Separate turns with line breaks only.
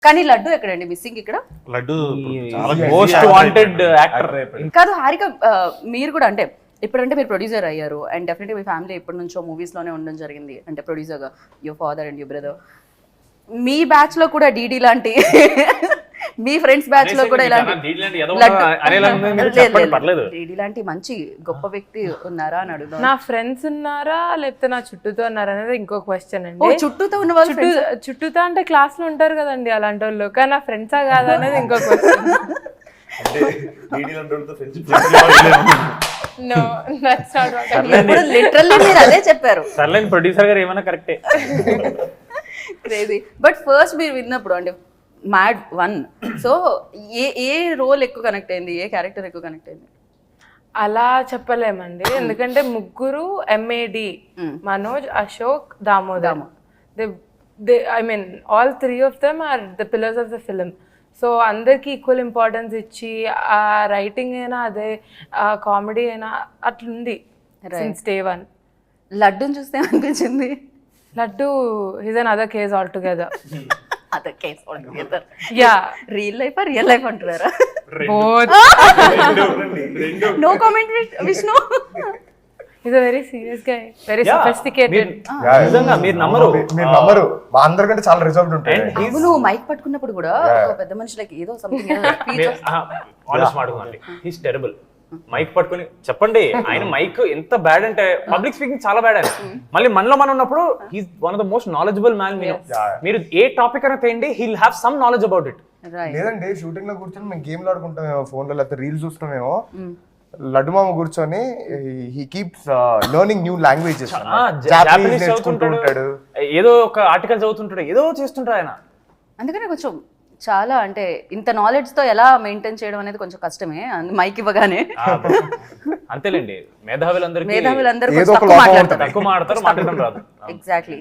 కానీ లడ్డు ఎక్కడండి మిస్సింగ్ ఇక్కడ?
Laddu
most wanted actor.
కాదు హారిక, మీరు కూడా అంటే ఇప్పుడంటే మీరు ప్రొడ్యూసర్ అయ్యారు అండ్ డెఫినెట్లీ మీ ఫ్యామిలీ ఎప్పటి నుంచో మూవీస్ లోనే ఉండడం జరిగింది, అంటే ప్రొడ్యూసర్గా your father and your brother. మీ బ్యాచ్ లో కూడా డీడీ లాంటి మీ ఫ్రెండ్స్ బ్యాచ్ లో కూడా ఇలాంటి డీడీ లాంటి మంచి గొప్ప వ్యక్తి ఉన్నారా అని అడుగుతాను.
నా ఫ్రెండ్స్ ఉన్నారా లేకపోతే నా చుట్టూతో ఉన్నారా అనేది ఇంకో క్వశ్చన్
ఓ
అండి.
చుట్టూతో ఉన్న వాళ్ళు
చుట్టూతో అంటే క్లాస్ లో ఉంటారు కదండి అలాంటి వాళ్ళు, కానీ నా ఫ్రెండ్సా కాదా అనేది ఇంకో question. No, that's not what I mean.
ఇప్పుడు లిటరల్లీ మీరు అదే చెప్పారు.
సర్లేని ప్రొడ్యూసర్ గారు ఏమైనా కరెక్టే.
క్రేజీ. బట్ ఫస్ట్ మీరు విన్నప్పుడు అంటే మ్యాడ్ 1, సో ఏ రోల్ ఎక్కువ కనెక్ట్ అయింది, ఏ క్యారెక్టర్ ఎక్కువ కనెక్ట్ అయింది?
అలా చెప్పలేమండి, ఎందుకంటే ముగ్గురు MAD, Manoj, Ashok, Damodar. I mean all three of them are the pillars of the film. So అందరికి ఈక్వల్ ఇంపార్టెన్స్ ఇచ్చి ఆ రైటింగ్ అయినా అదే కామెడీ అయినా అట్లుంది సిన్స్ డే 1.
లడ్డూని చూస్తే అనిపించింది
Laddu is another case altogether.
Other case altogether.
Yeah,
real life అంటున్నారా?
Both.
No comment Vishnu.
Is a very serious guy, very sophisticated.
నిజంగా మీరు నమ్మరు
మా అందరికంటే చాలా రిజర్వ్డ్ ఉంటాయి.
అవును, మైక్ పట్టుకున్నప్పుడు కూడా ఒక పెద్ద మనిషికి ఏదో సంథింగ్
ఆనెస్ట్ మాట్లాడుకోండి, హీస్ టెరబుల్. మైక్ పట్టుకుని చెప్పండి, ఆయన మైక్ ఎంత బ్యాడ్ అంటే పబ్లిక్ స్పీకింగ్ చాలా బ్యాడ్ ఆయన. మళ్ళీ మనలో మనం ఉన్నప్పుడు he's one of the most knowledgeable man. మీరు ఏ టాపిక్ అయినా తేండి, he'll have some knowledge about it.
లేదండి షూటింగ్ లో కూర్చొని మేము గేమ్లు ఆడుకుంటామేమో, ఫోన్ లో లేకపోతే రీల్స్ చూస్తామేమో, లడ్డు మామ కూర్చొని he keeps learning new languages.
Japanese చదువుతుంటాడు, ఏదో ఒక ఆర్టికల్ చదువుతుంటాడు, ఏదో చేస్తుంటాడు ఆయన.
అందుకనే కొంచెం చాలా అంటే ఇంత నాలెడ్జ్ తో ఎలా మెయింటైన్ చేయడం అనేది కొంచెం కష్టమే మైక్ ఇవ్వగానే.
అంతేలేండి, మేధావులందరూ
తక్కువ
తక్కువ
మాట్లాడతారు.
మాట్లాడతారు, మాట్లాడడం రాదు.
ఎగ్జాక్ట్లీ.